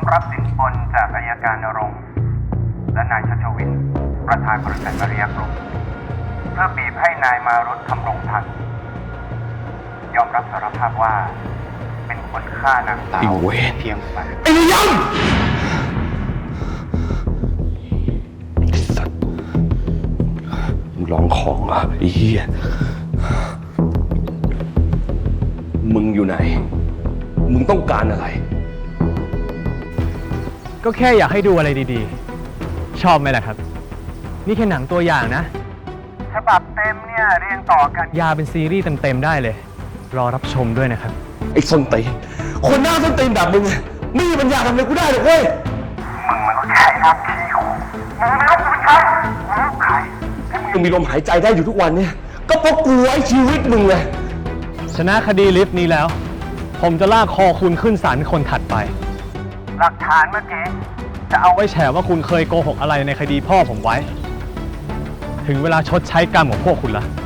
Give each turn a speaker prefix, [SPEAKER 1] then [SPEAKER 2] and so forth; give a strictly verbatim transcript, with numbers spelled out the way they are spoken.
[SPEAKER 1] รับสินบนจากอัยการณรงค์และนายชัชวินประธานบริษัทมาริยากรุ๊ปเพื่อบีบให้นายมารุธทำรงทันยอมรับสารภาพว่าเป็นคนฆ่านางสาวเพียงฝ่าย
[SPEAKER 2] ไอ้ยันไอ้สัตว์มึงลองของอ่ะไอ้เหี้ยมึงอยู่ไหนมึงต้องการอะไร
[SPEAKER 3] ก็แค่อยากให้ดูอะไรดีๆชอบไหมล่ะครับนี่แค่หนังตัวอย่างนะ
[SPEAKER 1] ฉบับเต็มเนี่ยเรียงต่อกัน
[SPEAKER 3] ยาเป็นซีรีส์เต็มๆได้เลยรอรับชมด้วยนะครับ
[SPEAKER 2] ไอ้ส้นตีนคนหน้าส้นตีนแบบมึงไม่มีปัญญาทำอะไรกูได้หรอกเว้ย
[SPEAKER 1] มึงมันก็แค่หน้าที่ของมึงไม่รู้กูเป็นใครมึงรู้ใคร
[SPEAKER 2] มึงมีลมหายใจได้อยู่ทุกวันเนี่ยก็เพราะกูไว้ชีวิตมึงเลย
[SPEAKER 3] ชนะคดีลิฟต์นี้แล้ว ผมจะลากคอคุณขึ้นศาลเป็นคนถัดไป
[SPEAKER 1] หลักฐานเมื่อกี้
[SPEAKER 3] จะเอาไว้แฉว่าคุณเคยโกหกอะไรในคดีพ่อผมไว้ ถึงเวลาชดใช้กรรมของพวกคุณละ